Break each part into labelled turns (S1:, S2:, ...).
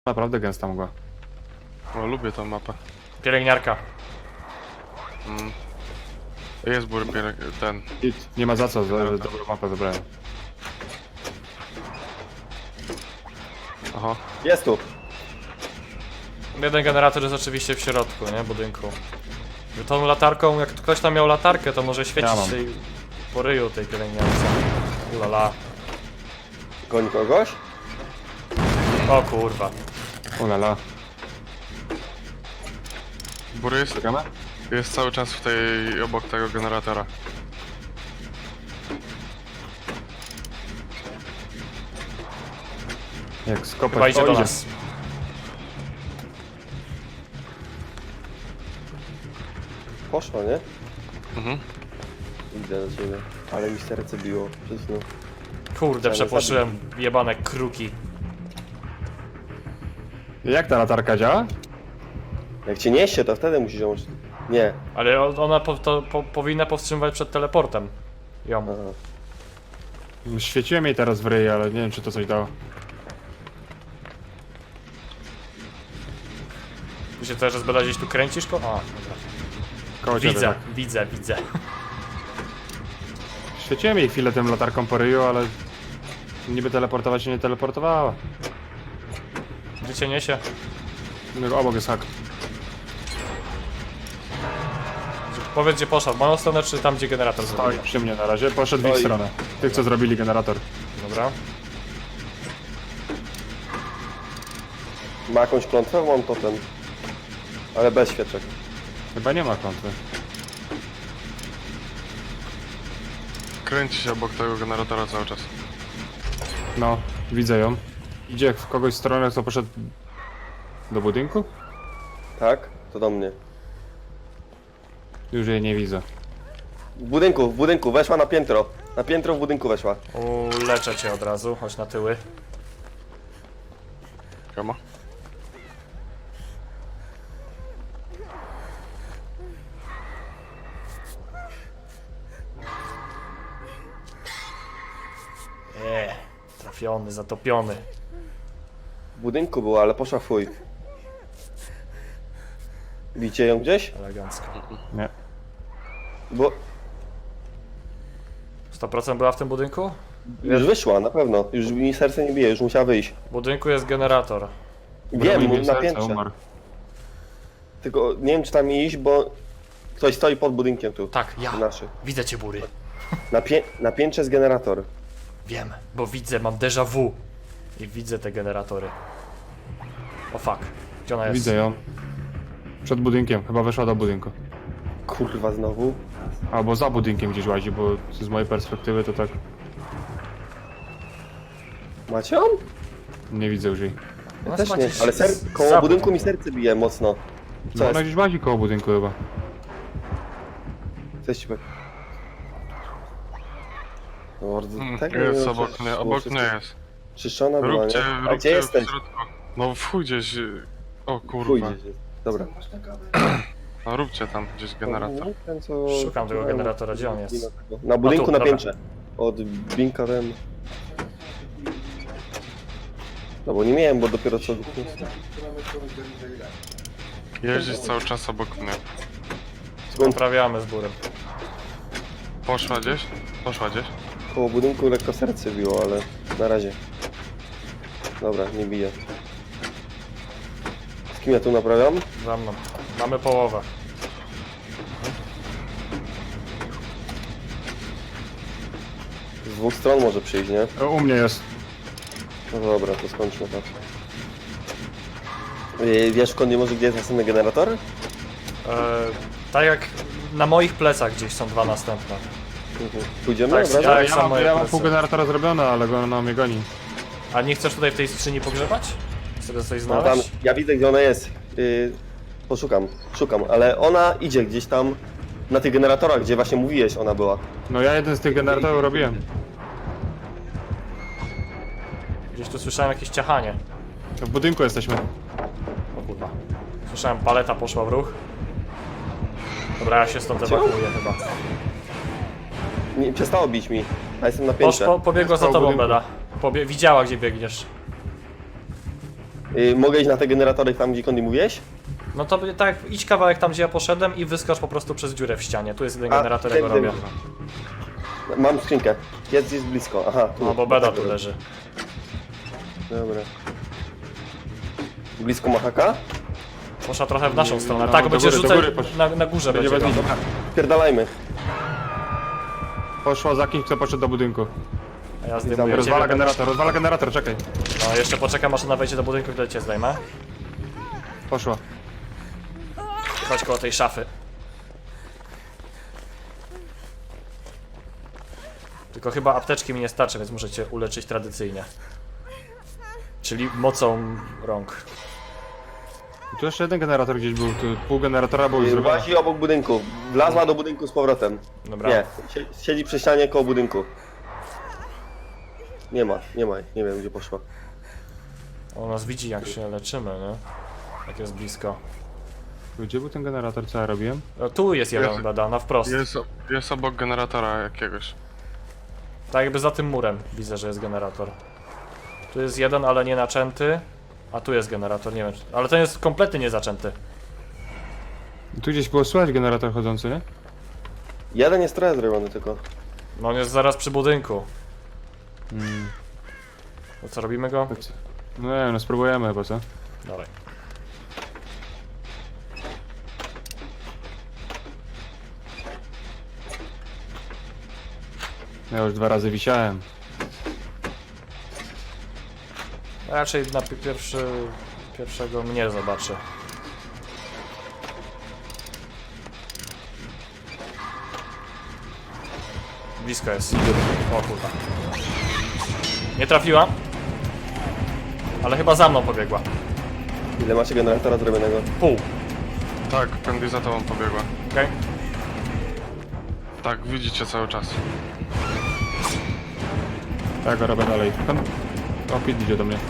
S1: Naprawdę gęsta mgła.
S2: O, lubię tą mapę.
S3: Pielęgniarka.
S2: Jest ten.
S1: Nie ma za co, dobrą mapę wybrałem.
S2: Aha.
S4: Jest tu.
S3: Jeden generator jest oczywiście w środku, nie? Budynku. Tą latarką, jak ktoś tam miał latarkę, to może świecić
S1: Ja mam.
S3: tej po ryju tej pielęgniarce. Ulala.
S4: Goni kogoś?
S3: O kurwa.
S1: Ulala.
S2: Bury
S1: Czekamy?
S2: jest cały czas w tej, obok tego generatora.
S1: Jak skopać...
S3: Chyba idzie
S1: O,
S3: do nas.
S4: Poszło, nie?
S2: Mhm.
S4: Idę do ciebie. Ale mi serce biło przed chwilą.
S3: Kurde, przepłoszyłem jebane kruki.
S1: Jak ta latarka działa?
S4: Jak cię niesie, to wtedy musisz ją... Nie.
S3: Ale ona powinna powstrzymywać przed teleportem. Ją.
S4: Aha.
S1: Świeciłem jej teraz w ryj, ale nie wiem czy to coś dało.
S3: Ty się też zbada gdzieś tu kręcisz? A, dobra.
S1: Koło ciebie,
S3: Widzę,
S1: tak.
S3: widzę.
S1: Świeciłem jej chwilę tym latarką po ryju, ale... Niby teleportować się nie teleportowała.
S3: Gdzie cię niesie?
S1: No, obok jest hak.
S3: Powiedz gdzie poszła, w moją stronę czy tam gdzie generator
S1: Stoi
S3: zrobił?
S1: przy mnie na razie, poszedł w ich
S4: Stoi.
S1: stronę. Tych co zrobili generator.
S3: Dobra.
S4: Ma jakąś klątwę? Mam totem. Ale bez świeczek.
S1: Chyba nie ma klątwy.
S2: Kręci się obok tego generatora cały czas.
S1: No, widzę ją. Idzie w kogoś stronę, co poszedł... Do budynku?
S4: Tak? To do mnie.
S1: Już jej nie widzę.
S4: W budynku, weszła na piętro. Na piętro w budynku weszła.
S3: Leczę cię od razu, chodź na tyły.
S2: Kama?
S3: Trafiony, zatopiony.
S4: W budynku była, ale poszła w chuj. Widzicie ją gdzieś?
S3: Elegancko.
S1: Nie.
S4: Bo
S3: 100% była w tym budynku?
S4: już wyszła, na pewno. Już mi serce nie bije, już musiała wyjść.
S3: W budynku jest generator.
S4: Wiem,
S1: Broń mi
S4: na
S1: serce,
S4: piętrze.
S1: umarł.
S4: Tylko nie wiem czy tam iść, bo ktoś stoi pod budynkiem tu.
S3: Tak, ja.
S4: Naszy.
S3: Widzę cię, Bury.
S4: Na piętrze jest generator.
S3: Wiem, bo widzę, mam déjà vu. I widzę te generatory. O fuck. Gdzie ona jest?
S1: Widzę ją. Przed budynkiem, chyba weszła do budynku.
S4: Kurwa znowu.
S1: Albo za budynkiem gdzieś łazi, bo z mojej perspektywy to tak
S4: Macie ją?
S1: nie widzę już jej.
S4: Ja
S3: Ona
S4: też
S3: chyba
S4: nie,
S3: gdzieś
S4: ale koło
S3: za
S4: budynku mi
S3: budynkiem.
S4: serce bije mocno.
S1: No
S4: Co
S1: ona
S4: jest?
S1: gdzieś łazi koło budynku chyba.
S4: Coś ci No, tego nie
S2: Jest
S4: wiem,
S2: obok
S4: czy-
S2: mnie,
S4: czy
S2: obok
S4: wszystko
S2: mnie jest.
S4: Czyszczona była,
S2: Róbcie,
S4: nie? A
S2: róbcie
S4: gdzie
S2: w
S4: jesteś?
S2: środku. No w chuj gdzieś. O kurwa.
S4: Chuj gdzieś jest. Dobra.
S2: No róbcie tam gdzieś generator.
S4: Ten, co...
S3: Szukam tego generatora, gdzie on jest?
S4: Na budynku
S3: tu,
S4: na
S3: dobra.
S4: piętrze. Od Binka ten... No bo nie miałem, bo dopiero co...
S2: Jeździć cały czas obok mnie.
S3: Naprawiamy z Burem.
S2: Poszła gdzieś? Poszła gdzieś?
S4: Koło budynku lekko serce biło, ale na razie. Dobra, nie bije. Z kim ja tu naprawiam?
S3: Za mną. Mamy połowę.
S4: Z dwóch stron może przyjść, nie?
S1: U mnie jest.
S4: No dobra, to skończmy tak. Wiesz, Kondy, może gdzie jest następny generator?
S3: Tak jak na moich plecach gdzieś są dwa następne.
S4: Pójdziemy?
S3: Tak,
S4: Dobra?
S3: ja-
S1: Ja
S3: są
S1: mam,
S3: moje
S1: ja mam
S3: plecy.
S1: pół generatora zrobione, ale ona mnie goni.
S3: A nie chcesz tutaj w tej skrzyni pogrzebać? Chcesz coś
S4: No tam,
S3: znaleźć?
S4: ja widzę gdzie ona jest. Szukam, ale ona idzie gdzieś tam na tych generatorach, gdzie właśnie mówiłeś, ona była.
S1: No ja jeden z tych generatorów robiłem.
S3: Gdzieś tu słyszałem jakieś ciachanie.
S1: W budynku jesteśmy.
S3: O kurwa. Słyszałem, paleta poszła w ruch. Dobra, ja się stąd ewakuuję chyba.
S4: Nie, przestało bić mi, a jestem na piętrze.
S3: Pobiegła za
S1: Jest koło
S3: tobą,
S1: budynku.
S3: Beda. Widziała, gdzie biegniesz.
S4: Mogę iść na te generatory tam, gdzie Kondi mówiłeś?
S3: No to będzie tak, idź kawałek tam, gdzie ja poszedłem i wyskocz po prostu przez dziurę w ścianie. Tu jest jeden
S4: A,
S3: generator, ja go
S4: wiem,
S3: robię.
S4: Mam skrzynkę. Jest blisko. Aha, tu.
S3: No bo beda tu leży.
S4: Dobra. Blisko Mahaka?
S3: Poszła trochę w naszą stronę.
S1: No,
S3: Tak,
S1: do
S3: będzie
S1: góry, do
S3: rzucać
S1: góry poszła.
S3: na górze
S1: Będzie
S3: będzie.
S1: bez
S3: go.
S1: nich.
S4: Pierdalajmy.
S1: Poszła za kimś, kto poszedł do budynku.
S3: A ja zdejmuję
S1: Rozwala
S3: ciebie.
S1: generator, czekaj.
S3: No jeszcze poczekam, aż ona wejdzie do budynku, wtedy cię zdejmę.
S1: Poszła.
S3: Chodź koło tej szafy. Tylko chyba apteczki mi nie starczy, więc muszę cię uleczyć tradycyjnie. Czyli mocą rąk.
S1: I tu jeszcze jeden generator gdzieś był, tu pół generatora był już zrobione.
S4: Łazi obok budynku. Wlazła do budynku z powrotem.
S3: Dobra.
S4: Nie, siedzi przy ścianie koło budynku. Nie ma, nie wiem gdzie poszła.
S3: On nas widzi, jak się leczymy, nie? Jak jest blisko.
S1: Gdzie był ten generator, co ja robiłem?
S3: Tu jest jeden
S2: Jest.
S3: bada, na wprost.
S2: Jest obok generatora jakiegoś.
S3: Tak jakby za tym murem widzę, że jest generator. Tu jest jeden, ale nie naczęty. A tu jest generator, nie wiem. Ale ten jest kompletnie niezaczęty.
S1: Tu gdzieś było słychać generator chodzący, nie?
S4: Jeden jest trochę zrobiony tylko.
S3: No on jest zaraz przy budynku. To co, robimy go?
S1: No nie wiem, no spróbujemy chyba, co?
S3: Dawaj.
S1: Ja już 2 razy wisiałem.
S3: Raczej na pierwszego mnie zobaczy. Blisko jest. O kurwa. Nie trafiła. Ale chyba za mną pobiegła.
S4: Ile macie generatora zrobionego?
S3: Pół.
S2: Tak, Candy za tobą pobiegła.
S3: Okej?
S2: Tak, widzicie cały czas.
S1: Tak, go robię dalej. O, Pit idzie do mnie.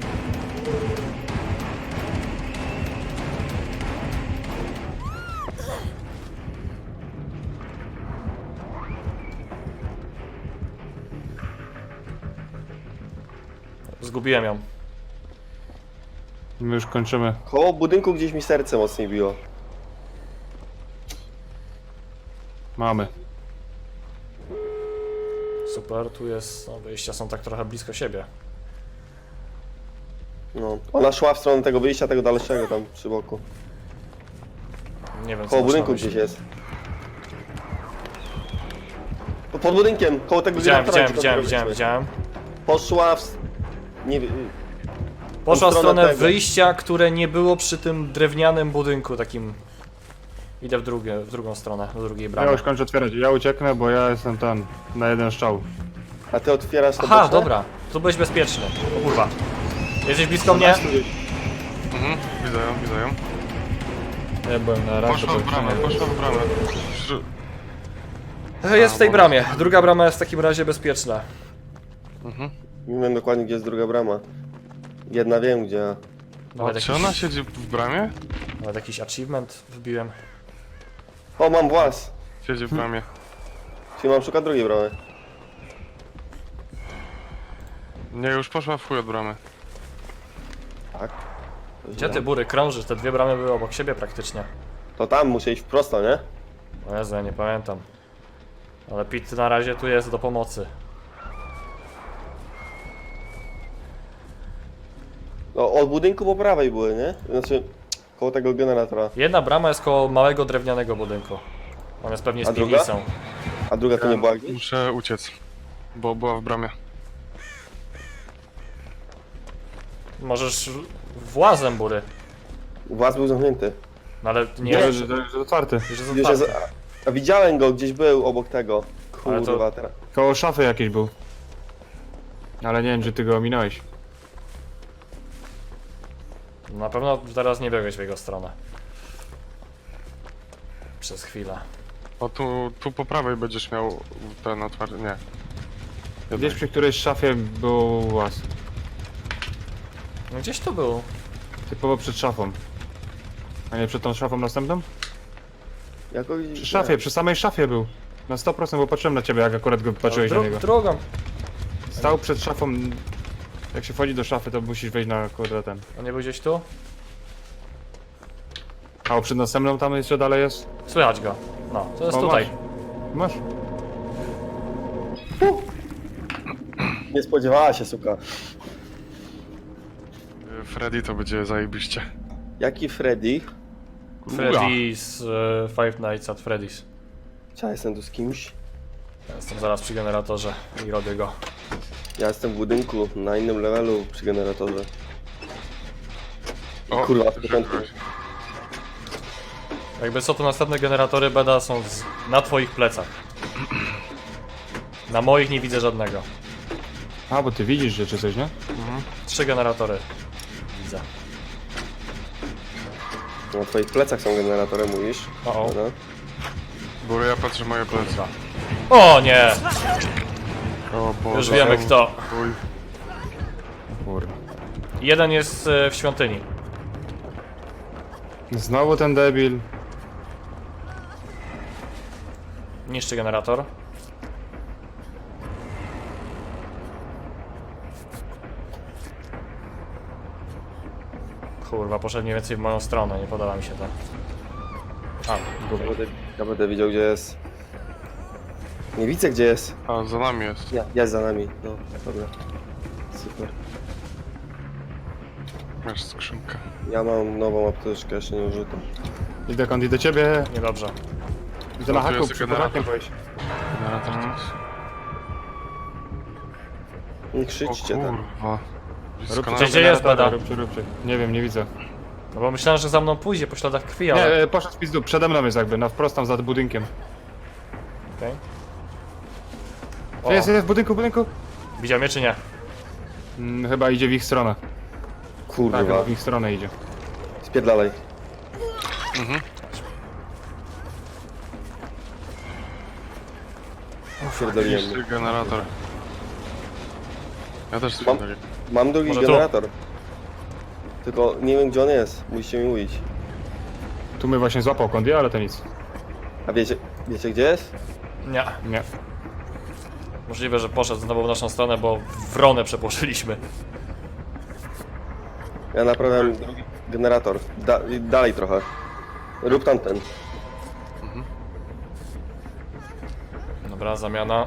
S3: Zgubiłem ją.
S1: My już kończymy.
S4: Koło budynku gdzieś mi serce mocniej biło.
S1: Mamy.
S3: Super, tu jest. No, wyjścia są tak trochę blisko siebie.
S4: No. Ona szła w stronę tego wyjścia, tego dalszego tam przy boku.
S3: Nie wiem co
S4: Koło
S3: masz na
S4: budynku
S3: myśli.
S4: gdzieś jest. Pod budynkiem, koło tego generatora,
S3: Widziałem.
S4: Poszła w... Nie wiem...
S3: Poszła w
S4: stronę
S3: stronę
S4: tego.
S3: wyjścia, które nie było przy tym drewnianym budynku takim. Idę w drugą stronę, do drugiej
S1: Ja
S3: bramy.
S1: już kończę otwierać. Ja ucieknę, bo ja jestem tam na jeden strzał.
S4: A ty otwierasz to
S3: Aha,
S4: boczne?
S3: dobra. Tu byłeś bezpieczny. O kurwa. Jesteś blisko mnie?
S2: Mhm, widzę ją.
S1: Ja byłem na razie.
S2: Poszła w bramę.
S3: Jest w tej bramie. Druga brama jest w takim razie bezpieczna.
S2: Mhm.
S4: Nie wiem dokładnie gdzie jest druga brama. Jedna wiem gdzie.
S3: Nawet
S2: Czy ona siedzi w bramie?
S3: Nawet jakiś achievement wbiłem.
S4: O, mam włas!
S2: Siedzi w bramie.
S4: Czyli mam szukać drugiej bramy.
S2: Nie, już poszła w chuj od bramy.
S4: Tak.
S3: Gdzie ty bury krążysz? Te dwie bramy były obok siebie praktycznie.
S4: To tam muszę iść prosto, nie?
S3: O Jezu, ja nie pamiętam. Ale Pit na razie tu jest do pomocy.
S4: No, od budynku po prawej były, nie? Znaczy, koło tego generatora.
S3: Jedna brama jest koło małego drewnianego budynku. On jest pewnie z
S4: A druga?
S3: piwnicą.
S4: A druga to nie była gdzieś?
S2: Muszę uciec. Bo była w bramie.
S3: Możesz włazem bury.
S4: Włas był zamknięty.
S3: No ale nie
S1: Nie,
S3: jest,
S1: że jest otwarty.
S3: już jest
S4: Gdzieś jest...
S3: otwarty.
S4: A widziałem go, gdzieś był obok tego.
S3: Ale to-
S4: Kurwa, teraz.
S1: Koło szafy jakiś był. Ale nie wiem, czy ty go ominąłeś.
S3: Na pewno teraz nie biegłeś w jego stronę. Przez chwilę.
S2: O, tu po prawej będziesz miał ten otwarty. Nie.
S1: Gdzieś przy którejś szafie był łaz.
S3: No gdzieś to był.
S1: Typowo przed szafą. A nie przed tą szafą następną?
S4: Jakoś...
S1: Przy szafie, przy samej szafie był. Na 100%, bo patrzyłem na ciebie, jak akurat go patrzyłeś na niego.
S3: Drugą.
S1: Stał przed szafą Jak się wchodzi do szafy, to musisz wejść na kurde ten.
S3: On nie był gdzieś tu?
S1: A przed następną tam jeszcze dalej jest?
S3: Słychać go. No, to jest
S1: O,
S3: tutaj.
S1: Masz?
S4: Nie spodziewała się, suka.
S2: Freddy to będzie zajebiście.
S4: Jaki Freddy?
S3: Freddy z Five Nights at Freddy's.
S4: Ja jestem tu z kimś.
S3: Ja jestem zaraz przy generatorze i robię go.
S4: Ja jestem w budynku, na innym levelu przy generatorze.
S2: O,
S4: Kurwa, w początku.
S3: Jakby co, to następne generatory Beda są na twoich plecach. Na moich nie widzę żadnego.
S1: A, bo ty widzisz rzeczy coś, nie?
S3: 3 generatory. Widzę.
S4: Na twoich plecach są generatory, mówisz?
S3: O,
S4: Dobra.
S2: Bury, ja patrzę moje plecy.
S3: o nie!
S2: O Boże.
S3: Już wiemy kto.
S2: Uj.
S1: Kurwa.
S3: Jeden jest w świątyni.
S1: Znowu ten debil.
S3: Niszczy generator. Kurwa, poszedł mniej więcej w moją stronę, nie podoba mi się to. A, gubię.
S4: Ja będę widział, gdzie jest. Nie widzę, gdzie jest.
S2: A, za nami jest.
S4: Jest za nami. No, dobra. Super.
S2: Masz skrzynkę.
S4: Ja mam nową apteczkę, jeszcze nie użytą.
S1: Idę kąd do ciebie.
S3: Niedobrze.
S1: Idę na
S2: No, tu
S1: haku,
S2: jest
S1: przy
S2: generator.
S1: hakiem byłeś.
S2: Generator to jest.
S4: Nie
S2: O
S4: krzyczcie tak.
S2: kurwa. Blisko
S1: Róbcie
S2: nas.
S3: Gdzie jest
S1: generatora,
S3: Beda?
S1: róbcie. Nie wiem, nie widzę.
S3: No bo myślałem, że za mną pójdzie po śladach krwi,
S1: Nie,
S3: ale...
S1: poszedł w pizdu, przede mną jest jakby, na wprost tam za budynkiem.
S3: Okej.
S1: Jest w budynku.
S3: Widział mnie czy nie?
S1: Chyba idzie w ich stronę. Tak,
S4: Kurwa.
S1: chyba w ich stronę idzie.
S4: Spierdalaj. Spierdoliłem.
S2: Niszczy generator. Ja też
S4: Mam,
S2: spierdolę.
S4: mam drugi
S3: Może tu?
S4: generator. Tylko nie wiem, gdzie on jest. Musicie mi mówić.
S1: Tu mnie właśnie złapał kąd, ale to nic.
S4: A wiecie gdzie jest?
S3: Nie.
S1: Nie.
S3: Możliwe, że poszedł znowu w naszą stronę, bo wronę przepłoszyliśmy.
S4: Ja naprawiam drugi generator. Dalej trochę. Rób tamten.
S3: Dobra, zamiana.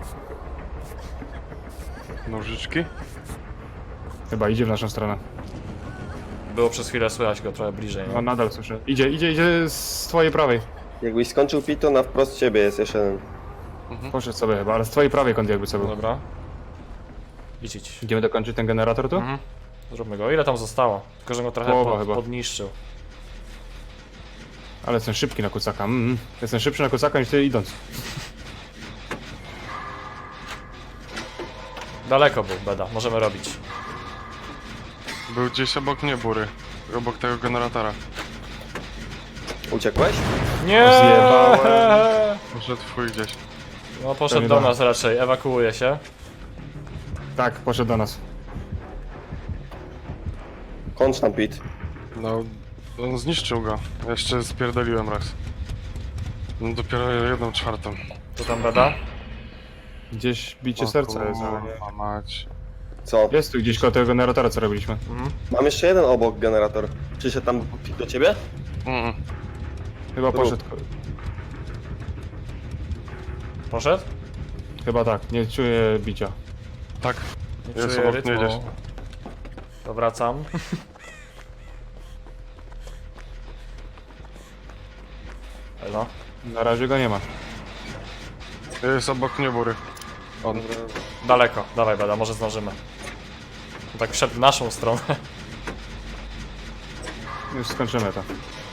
S2: Nożyczki?
S1: Chyba idzie w naszą stronę.
S3: Było przez chwilę słychać go trochę bliżej.
S1: No
S3: Nie?
S1: nadal słyszę. Idzie z twojej prawej.
S4: Jakbyś skończył pić, to na wprost ciebie jest jeszcze jeden.
S1: Poszedł sobie chyba, ale z twojej prawej kąt jakby co był.
S3: Dobra. Idź.
S1: Idziemy dokończyć ten generator tu?
S3: Mhm. Zróbmy go. Ile tam zostało? Tylko, że go trochę
S1: Połowa chyba.
S3: podniszczył.
S1: Ale jestem szybki na kucaka. Jestem szybszy na kucaka niż ty idąc.
S3: Daleko był, Beda. Możemy robić.
S2: Był gdzieś obok mnie, Bury. Obok tego generatora.
S4: Uciekłeś?
S3: Nie!
S1: Zjebałem.
S2: Poszedł twój gdzieś.
S3: No poszedł
S1: Pewnie
S3: do
S1: tak.
S3: nas raczej. Ewakuuje się.
S1: Tak, poszedł do nas.
S4: Kończ tam pit.
S2: No, on zniszczył go. Jeszcze spierdoliłem raz. No dopiero 1/4.
S3: Tu tam Beda.
S1: Gdzieś bicie
S2: O
S1: serca jest, ale nie.
S2: kurwa mać.
S4: Co?
S1: Jest tu gdzieś koło tego generatora, co robiliśmy.
S4: Mam jeszcze jeden obok generator. Przyszedł tam do ciebie?
S2: Mm.
S1: Chyba
S4: Tu.
S1: poszedł.
S3: Poszedł?
S1: Chyba tak, nie czuję bicia.
S2: Tak.
S3: Nie
S2: Jest
S3: czuję
S2: obok mnie
S3: rytmu.
S2: gdzieś.
S3: To wracam. Elo.
S1: Na razie go nie ma.
S2: Jest obok mnie, Bury. On.
S3: Daleko. Dawaj Beda, może zdążymy. Tak wszedł w naszą stronę.
S1: Już skończymy to.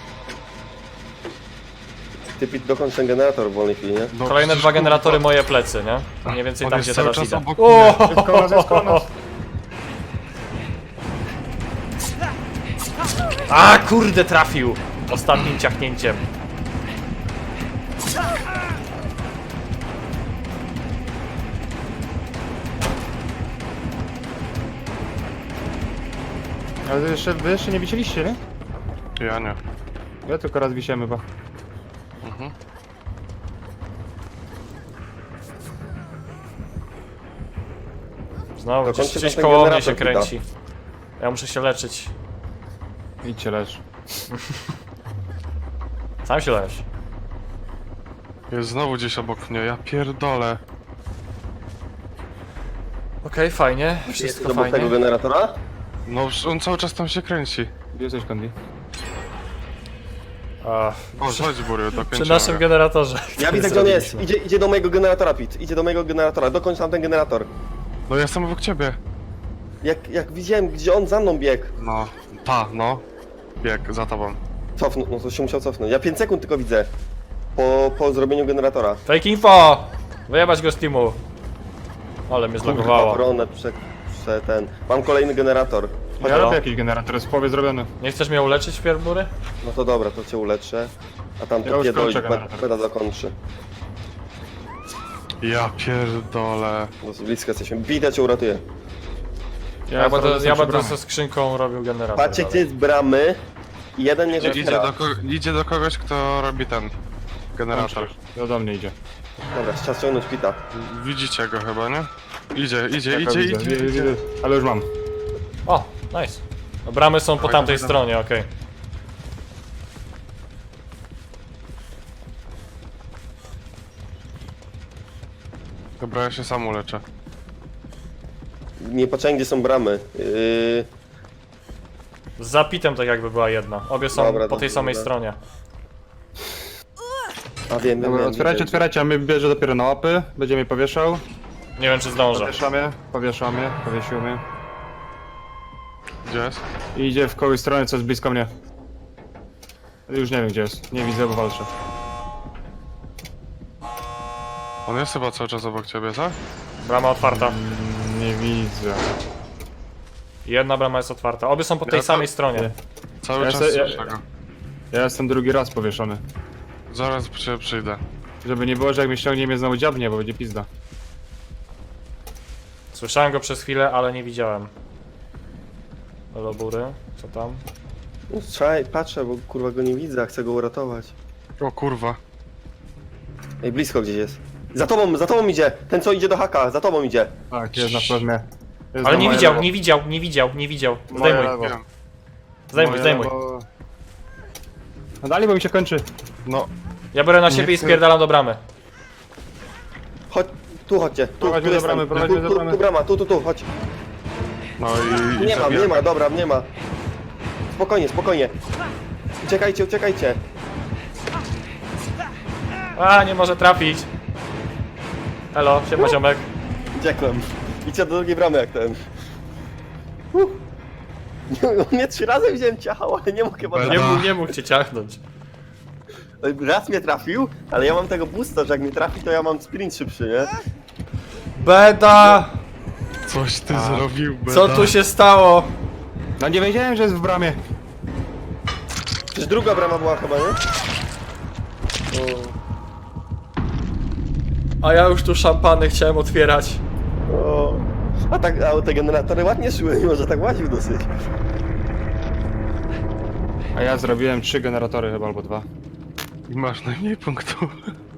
S4: Ty pit dokończ ten generator w wolnej chwili, nie?
S2: No,
S3: Kolejne
S2: przecież,
S3: 2 generatory
S2: kurwa,
S3: moje plecy, nie? Mniej więcej
S2: on
S3: tam,
S2: jest
S3: gdzie
S2: cały
S3: teraz
S2: czas
S3: idę.
S2: obok
S3: O!
S2: mnie.
S1: Jest koło nas, jest koło nas.
S3: A kurde, trafił! Ostatnim ciachnięciem.
S1: Ale wy jeszcze nie wisieliście, nie?
S2: Ja nie.
S1: Ja tylko raz wisiemy, bo...
S3: Znowu
S4: Dokończę
S3: gdzieś
S4: ten
S3: koło mnie
S4: generator,
S3: się
S4: Pita.
S3: kręci. Ja muszę się leczyć.
S1: Idźcie leż.
S3: Sam się leż.
S2: Jest znowu gdzieś obok mnie, ja pierdolę.
S3: Okej, fajnie.
S4: Jest
S3: Wszystko
S4: obok
S3: fajnie.
S4: tego generatora?
S2: No, on cały czas tam się kręci.
S1: Gdzie jesteś, Kondi?
S3: A,
S2: O, chodź Bury, dokończymy.
S3: przy naszym generatorze.
S4: Ja
S3: który
S4: widzę, gdzie on jest.
S3: zrobiliśmy.
S4: Idzie do mojego generatora, Pit. Idzie do mojego generatora. Dokończ tam ten generator.
S2: No, ja jestem obok ciebie.
S4: Jak widziałem, gdzie on za mną biegł.
S2: No, no. Bieg za tobą.
S4: Cofnął, no to się musiał cofnąć. Ja 5 sekund tylko widzę. Po zrobieniu generatora.
S3: Fake info! Wyjebać go z teamu. Ale mnie zlogowało.
S4: Obronę ten. Mam kolejny generator.
S1: Ja
S3: Halo?
S1: robię jakiś generator, jest w połowie zrobiony.
S3: Nie chcesz mnie uleczyć wpierw, Bury?
S4: No to dobra, to cię uleczę. A tam
S1: Ja
S4: to
S1: już
S4: pierdolić,
S1: kończę generator.
S4: beda dokończy.
S2: Ja pierdolę.
S4: Dosyć blisko jesteśmy. Bita cię uratuje.
S3: Ja będę
S1: przy bramie.
S3: ze skrzynką robił generator.
S4: Patrzcie, gdzie
S3: dalej.
S4: jest bramy. I jeden nie otwiera.
S2: Idzie do kogoś, kto robi ten generator.
S1: To do mnie idzie.
S4: Dobra, czas ciągnąć Pita.
S2: Widzicie go chyba, nie? Idzie.
S1: Widzę. Ale już mam.
S3: O, nice. No, bramy są po
S2: Dawaj,
S3: tamtej
S2: dawaj,
S3: stronie, okej.
S2: Dobra, ja się sam uleczę.
S4: Nie patrzę, gdzie są bramy.
S3: Z zapitem tak jakby była jedna. Obie są
S4: Dobra,
S3: po tej
S4: dobra,
S3: samej
S4: dobra.
S3: stronie.
S4: A wiem,
S1: Dobra, otwierajcie, a my bierze dopiero na łapy. Będzie mnie powieszał.
S3: Nie wiem czy zdążę.
S1: Powiesił mnie.
S2: Gdzie jest?
S1: I idzie w kogoś stronę, co jest blisko mnie. Już nie wiem gdzie jest. Nie widzę, bo walczę.
S2: On jest chyba cały czas obok ciebie, co?
S3: Brama otwarta.
S1: Nie widzę.
S3: Jedna brama jest otwarta. Obie są po tej
S2: Ja to-
S3: samej stronie.
S2: Cały
S1: Ja
S2: czas
S1: se-
S2: słyszę go.
S1: Ja jestem drugi raz powieszony.
S2: Zaraz przyjdę.
S1: Żeby nie było, że jak mnie ściągnie, mnie znowu dziabnie, bo będzie pizda.
S3: Słyszałem go przez chwilę, ale nie widziałem. Halo Bury, co tam?
S4: Strzelaj, patrzę, bo kurwa go nie widzę, a chcę go uratować.
S2: O kurwa.
S4: Ej, blisko gdzieś jest. Za tobą idzie! Ten co idzie do haka, za tobą idzie.
S1: Tak, jest na pewno. Jest
S3: Ale
S1: na
S3: nie
S1: moje
S3: widział,
S1: lewo.
S3: nie widział.
S1: Moje
S3: Zdejmuj,
S1: lewo.
S2: Wiem.
S3: zdejmuj,
S1: Moje
S3: zdejmuj.
S1: lewo. No dalej, bo mi się kończy.
S2: No,
S3: Ja biorę na
S2: Nie
S3: siebie i
S2: chcę.
S3: spierdalam do bramy.
S4: Chodź, tu chodźcie. Tu,
S1: Prowadź
S4: tu
S1: mnie do
S4: jestem.
S1: bramy, prowadź mnie do bramy.
S4: Tu brama, tu, chodź.
S2: no i
S4: Nie ma,
S2: zabijam.
S4: nie ma, dobra, nie ma. Spokojnie. Uciekajcie.
S3: A, nie może trafić. Elo, siema ziomek.
S4: Uciekłem. Idźcie do drugiej bramy jak ten. Nie 3 razy wziąłem ciało, ale nie mógł chyba
S2: Beda.
S4: trafić.
S3: Nie mógł cię ciachnąć.
S4: Raz mnie trafił, ale ja mam tego boosta, że jak mnie trafi, to ja mam sprint szybszy, nie?
S3: Beda!
S2: Coś ty zrobił, beda.
S3: Co tu się stało?
S1: No nie wiedziałem, że jest w bramie.
S4: Przecież druga brama była chyba, nie?
S3: A ja już tu szampany chciałem otwierać.
S4: O. A te generatory ładnie szły, mimo że tak łaził dosyć.
S1: A ja zrobiłem 3 generatory chyba, albo 2.
S2: I masz najmniej punktów.